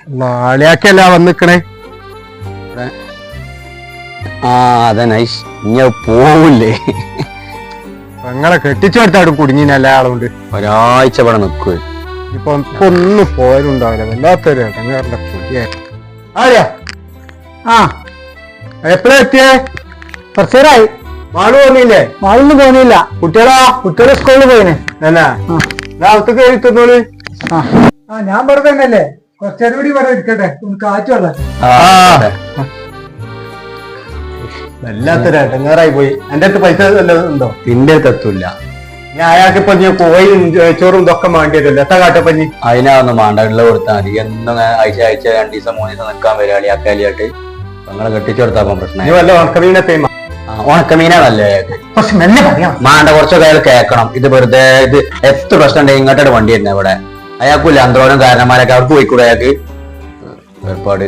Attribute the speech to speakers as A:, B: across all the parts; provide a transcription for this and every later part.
A: നാളെയാക്കല്ല വന്നിക്കണേ.
B: ആ അതെ നൈസ്. ഇനി പോവില്ലേ?
A: പെങ്ങളെ കെട്ടിച്ചെടുത്താടും കുടുങ്ങിന് എല്ലാ ആളുകൊണ്ട്
B: ഒരാഴ്ച ഇവിടെ നിൽക്കുക.
A: ഇപ്പൊ ഒന്നും പോയാലുണ്ടാവില്ല. വല്ലാത്തൊരു ഇടങ്ങേറിന്റെ കുടിയാ. ആര്യാ ആ എപ്പോഴാ എത്തിയേ? കുറച്ചേരായി. മാള് തോന്നിയില്ലേ? മാളൊന്നും തോന്നിയില്ല. കുട്ടികളെ സ്കൂളിൽ പോയിനെ. എന്നാ അകത്ത് കയറി തന്നോളി. ആ ഞാൻ ഇവിടെ തന്നെയല്ലേ. കുറച്ചേരം കൂടി ഇവിടെ ഇരിക്കട്ടെ, കാറ്റ് വെള്ളം. വല്ലാത്തൊരു ഇടങ്ങേറായി പോയി. എന്റെ അടുത്ത് പൈസ വല്ലതും ഉണ്ടോ?
B: നിന്റെ അടുത്ത് എത്തൂല്ല.
A: ഞാൻ അയാൾക്ക് ഇപ്പൊ കോയും ചോറും ഇതൊക്കെ വേണ്ടിയതല്ലോ. എത്ര കാട്ടപ്പഞ്ഞി
B: അതിനൊന്നും വേണ്ട, ഉള്ള കൊടുത്താൽ മതി. എന്നും ആഴ്ച 2 ദിവസം 3 ദിവസം നിൽക്കാൻ വരിക അളിയാക്കാലിയായിട്ട്. നിങ്ങളെ കെട്ടിച്ചു കൊടുത്താൽ പ്രശ്നം.
A: വല്ല ഉണക്കമീനത്തെ
B: ഉണക്കമീനാണല്ലേ മാണ്ട. കുറച്ചൊക്കെ അയാൾ കേൾക്കണം. ഇത് വെറുതെ ഇത് എത്ര പ്രശ്നം ഉണ്ടെങ്കിൽ ഇങ്ങോട്ടോട് വണ്ടി തന്നെ ഇവിടെ. അയാൾക്കില്ല അന്തോളം കാരണന്മാരൊക്കെ അവർക്ക് പോയിക്കൂടെ? അയാൾക്ക് ഏർപ്പാട്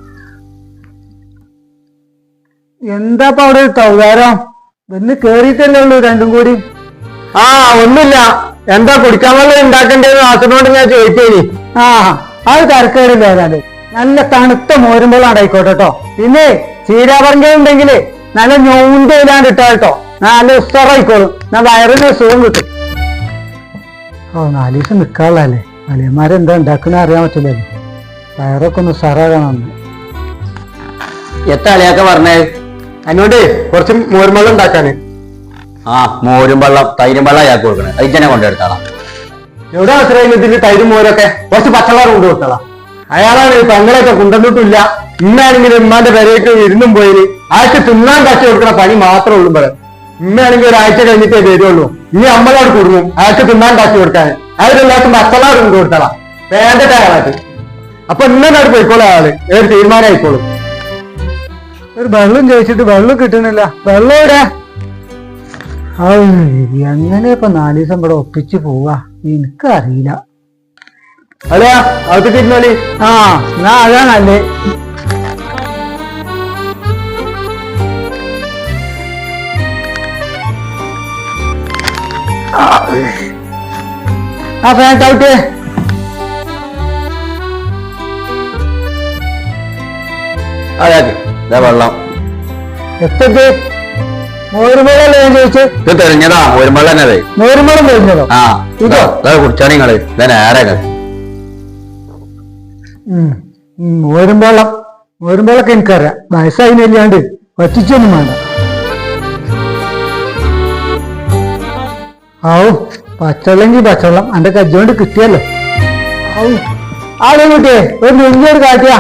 A: എന്താ അവിടെ തൗകാരം വന്ന് കേറിയിട്ടല്ലേ ഉള്ളൂ രണ്ടും കൂടി. ആ ഒന്നുമില്ല. എന്താ കുടിക്കാൻ വെള്ളം ഉണ്ടാക്കണ്ടേന്ന് ആസിനോട് ഞാൻ ചോദിച്ചേനി. ആ അത് തരക്കേടില്ല. ഏതാണ്ട് നല്ല തണുത്ത മോരുമ്പോൾ ഉണ്ടായിക്കോട്ടെ കേട്ടോ. പിന്നെ ചീരാപറങ്കയുണ്ടെങ്കില് നല്ല ഞൊണ്ടില്ലാണ്ട് ഇട്ടാ കേട്ടോ. നല്ല ഉസ്സറായിക്കോളും. ഞാൻ വയറിന് സുഖം കിട്ടും. ഓ 4 ദിവസം നിക്കാനുള്ളതല്ലേ. അളിയന്മാരെന്താ ഉണ്ടാക്കുന്ന അറിയാൻ പറ്റില്ലല്ലോ. വയറൊക്കെ ഒന്ന് ഉസ്സറാകണം.
B: എത്ര അളിയൊക്കെ പറഞ്ഞേ
A: അതിനോട് കുറച്ച് മോരുമ്പള്ളം ഉണ്ടാക്കാന്.
B: ആ മോരും വെള്ളം തൈരും വെള്ളം അയാൾക്ക് കൊടുക്കണേ. അതിനെ കൊണ്ടെടുത്താളാം.
A: എവിടെ ആശ്രയം ഇതിന്റെ തൈരും മോരൊക്കെ കുറച്ച് പച്ചവെള്ളം കൊണ്ട് കൊടുത്തളാം. അയാളാണ് പെങ്ങളൊക്കെ കൊണ്ടുവന്നിട്ടില്ല. ഇന്നാണെങ്കിൽ ഉമ്മാന്റെ പെരയൊക്കെ ഇരുന്നും പോയിന്. അയാൾക്ക് തിന്നാൻ കാശി കൊടുക്കണ പണി മാത്രമേ ഉള്ളൂ. പറയാം ഇമ്മയാണെങ്കിൽ ഒരാഴ്ച കഴിഞ്ഞിട്ടേ വരുള്ളൂ. ഇനി അമ്മളോട് കുടുങ്ങും അയാൾക്ക് തിന്നാൻ കാശി കൊടുക്കാൻ. അയാളെല്ലാവർക്കും പച്ചവെള്ളം കൊണ്ട് കൊടുത്തളാം. വേണ്ടട്ടെ അയാളായിട്ട്. അപ്പൊ ഇന്നോട് പോയിക്കോളൂ. അയാള് ഏത് തീരുമാനമായിക്കോളും. ഒരു വെള്ളം ചോദിച്ചിട്ട് വെള്ളം കിട്ടുന്നില്ല. വെള്ളം ഇവിടെ എങ്ങനെ ഇപ്പൊ 4 ദിവസം ഇവിടെ ഒപ്പിച്ച് പോവാ എനിക്കറിയില്ല. അതെയാ അകത്ത് തിരുന്നോളി. ആ എന്നാ അതാ നല്ലേ. ആ ഫാൻ ഔട്ടേ.
B: അയാൾക്ക് വെള്ളം
A: എത്തത് മോരുമ്പളല്ലേ ഞാൻ ചോദിച്ചത്?
B: ഇത് തെളിഞ്ഞതാ മോരും വെള്ളം തന്നെ.
A: മോരുമ്പളം തെളിഞ്ഞതോ? ആ
B: ഇതോ കുടിച്ചാ നിങ്ങള് നേരെ
A: മോരുമ്പളൊക്കെ എനിക്കറിയാം. വയസ്സായില്ലാണ്ട് വറ്റിച്ചൊന്നും വേണ്ട. ഔ പച്ചവെള്ളെങ്കിൽ പച്ചവെള്ളം എന്റെ കജ്ജോണ്ട് കിട്ടിയല്ലോ. ഔ ആളെ കുട്ടിയെ ഒരു നെല്ലിയോട് കാട്ടിയാ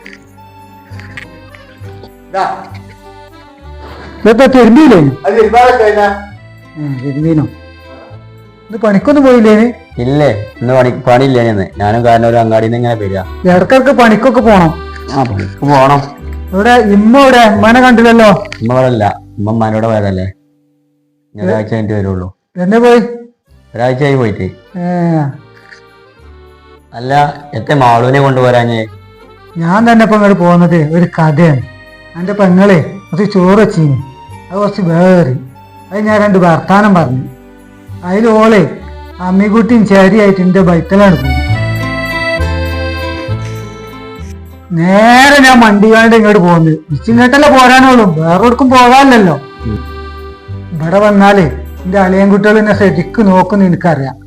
A: ഇതൊക്കെ തിരുമ്പീനോ? തിരുമ്പീനോ? ഇത് പണിക്കൊന്നും പോയില്ലേന്?
B: ഇല്ലേ ഇന്ന് പണിയില്ലേ. ഞാനും കാരണം ഒരു അങ്ങാടിയിൽ നിന്ന് ഇങ്ങനെ വരിക.
A: ഇടക്കിടക്ക് പണിക്കൊക്കെ പോണം.
B: ആ പണിക്ക് പോണം.
A: ഇവിടെ ഇമ്മ ഇവിടെ ഉമ്മനെ കണ്ടില്ലല്ലോ.
B: ഉമ്മ ഇവിടെ അല്ല. ഉമ്മ ഉമ്മാനോട് പോയതല്ലേ. ഒരാഴ്ച കഴിഞ്ഞിട്ട് വരുള്ളൂ.
A: എന്നെ പോയി?
B: ഒരാഴ്ചയായി പോയിട്ട്. അല്ല എത്ര മാളൂനെ കൊണ്ടുപോരാഞ്ഞേ?
A: ഞാൻ തന്നെ ഇപ്പൊ ഇങ്ങോട്ട് പോകുന്നത് ഒരു കഥയാണ്. എന്റെ പെങ്ങളെ കുറച്ച് ചോറ് വെച്ചീനി. അത് കുറച്ച് വേറി. അത് ഞാൻ 2 വർത്താനം പറഞ്ഞു. അതിൽ ഓളെ അമ്മിക്കുട്ടിയും ചേരിയായിട്ട് എന്റെ ബൈത്തലാണ് പോയി. നേരെ ഞാൻ മണ്ടിക്കാണ്ട് ഇങ്ങോട്ട് പോകുന്നത്. ഇച്ചിങ്ങോട്ടല്ലേ പോരാനുള്ളൂ. വേറെടുക്കും പോകാനല്ലോ. ഇവിടെ വന്നാലേ എന്റെ അളിയൻ കുട്ടികൾ എന്നെ ശരിക്ക് നോക്കുന്ന എനിക്കറിയാം.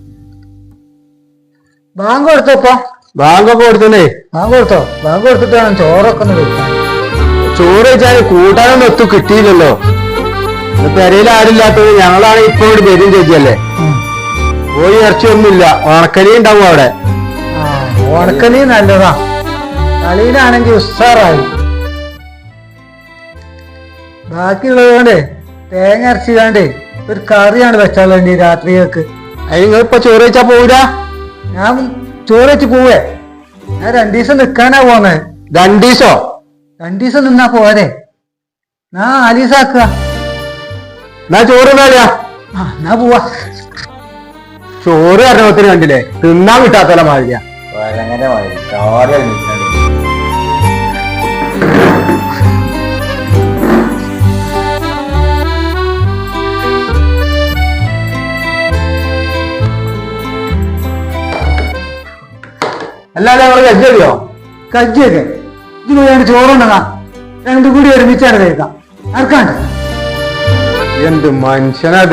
A: ബാങ്ക് കൊടുത്തപ്പോ? ബാങ്കൊക്കെ കൊടുത്തേ. ബാങ്ക് കൊടുത്തോ? ബാങ്ക് കൊടുത്തിട്ട് വേണം ചോറൊക്കെ ഒന്ന് വെക്കാൻ. ചോറ് വെച്ചാൽ കൂട്ടാനൊന്നും ഒത്തു കിട്ടിയില്ലല്ലോ. പെരയിൽ ആരില്ലാത്തത് ഞങ്ങളാണ് ഇപ്പൊ ഇവിടെ വരും ചേച്ചിയല്ലേ. കോഴി ഇറച്ചിയൊന്നുമില്ല. ഉണക്കലി ഉണ്ടാവും അവിടെ. ഉണക്കലി നല്ലതാ. കളിയിലാണെങ്കിൽ ഉസ്സാറായി. ബാക്കിയുള്ളത് കൊണ്ടേ തേങ്ങ അരച്ചിക്കാണ്ടേ ഒരു കറിയാണ് വെച്ചാൽ വേണ്ടി രാത്രിയൊക്കെ. അത് നിങ്ങളിപ്പോ ചോറ് വെച്ചാ പോവില്ല? ഞാൻ ചോറ് വെച്ച് പോവേ. ഞാൻ 2 ദിവസം നിക്കാനാ പോന്നെ. 2 ദിവസോ? 2 ദിവസം നിന്നാ പോരെ. ഞാൻ 4 ദിവസം ആക്കുക. എന്നാ ചോറ് എന്നാ പോവാ. ചോറ് കാരണത്തിന് കണ്ടില്ലേ തിന്നാൻ കിട്ടാത്തല്ല മാതിരിയാ. അല്ലാതെ നമ്മള് കജ്ജറിയോ? കജ്ജിയൊക്കെ ഇത് പോയാണ് ചോറുണ്ടതാ രണ്ടും കൂടി ഒരുമിച്ചാണ് കഴിക്കാം ആർക്കാണ്ട്
C: എന്ത് മനുഷ്യനത്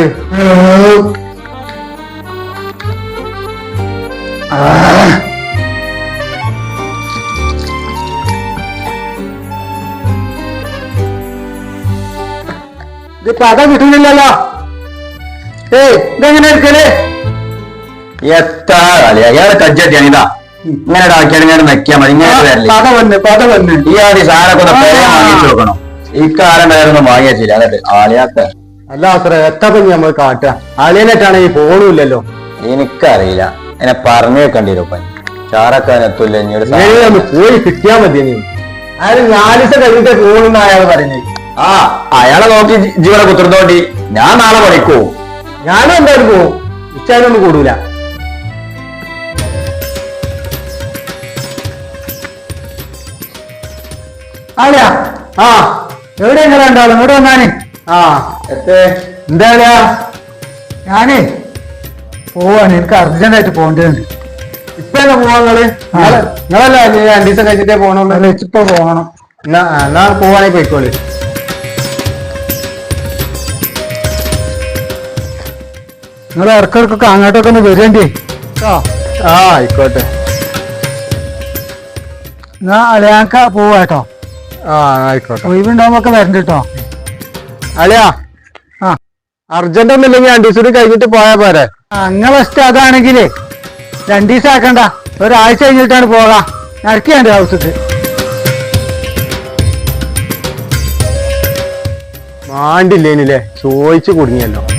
A: ഇത് പത കിട്ടുന്നില്ലല്ലോ ഇതെങ്ങനെ എടുക്കല്
B: എത്ര കളിയാ ഇയാളെ കജ്ജട്ടിയാണ് ഇതാ ഇങ്ങനെ ആക്കിയാൽ ഇങ്ങനെ വെക്കാൻ മതി ഇങ്ങനെ വരില്ലേ
A: പത വന്ന്
B: ഈ ആദ്യം സാറൊക്കെ ഒന്ന് പേരെ വാങ്ങിച്ചു വെക്കണം ഇക്കാലം വേറൊന്നും വാങ്ങിയില്ല എന്നിട്ട് ആളിയാക്ക
C: അല്ല അത്ര എത്തപ്പം നമ്മൾ കാട്ടുക അളിയനായിട്ടാണ് ഈ ഫോണുമില്ലല്ലോ
B: എനിക്കറിയില്ല എന്നെ പറഞ്ഞു വെക്കേണ്ടി വരും പനി ചാറക്കാൻ എത്തൂല്ല ഇനി ഒരു
C: ഒന്ന് പോയി കിട്ടിയാ മതി നീ അയാൾ 4 ദിവസം കഴിഞ്ഞിട്ട് ഫോണെന്ന് അയാൾ പറയുന്നത്
B: ആ അയാളെ നോക്കി ജീവനെ കുത്തിരുന്നോണ്ടി ഞാൻ നാളെ പണിക്കൂ
C: ഞാനും എന്തായാലും പോവും ഉച്ചാരൊന്നും കൂടൂല
A: ആളിയാ
C: ആ
A: എവിടെ എങ്ങനെ ഉണ്ടാവും ഇങ്ങോട്ട് വന്നാന്
C: ആ എന്താ
A: ഞാനേ പോവാണ് എനിക്ക് അർജന്റായിട്ട് പോകേണ്ടതുണ്ട്
C: ഇപ്പൊ എന്നാ പോവാ നിങ്ങളല്ല 2 ദിവസം കഴിച്ചിട്ടേ പോകണുള്ളൂ
A: ഇപ്പൊ പോകണം
C: എന്നാ പോവാണെങ്കിൽ പോയിക്കോളി
A: നിങ്ങൾ ഇടക്കിടക്കൊക്കെ അങ്ങോട്ടൊക്കെ ഒന്ന് വരേണ്ടി
C: ആ ആയിക്കോട്ടെ
A: എന്നാ അളിയാക്ക പോവാട്ടോ
C: ആ ആയിക്കോട്ടെ
A: ഒഴിവുണ്ടാവുമ്പോ ഒക്കെ വരണ്ട കേട്ടോ
C: അളിയാ
A: ആ
C: അർജന്റ് ഒന്നുമില്ലെങ്കിൽ 2 ദിവസം കഴിഞ്ഞിട്ട് പോയാ പോരെ
A: അങ്ങനെ ഇഷ്ടം അതാണെങ്കിലേ 2 ദിവസം ആക്കണ്ട ഒരാഴ്ച കഴിഞ്ഞിട്ടാണ് പോകാം നടക്കിയാണ്ട് ഹൗസക്ക്
C: മാണ്ടില്ലേനില്ലേ ചോദിച്ചു കുടുങ്ങിയല്ലോ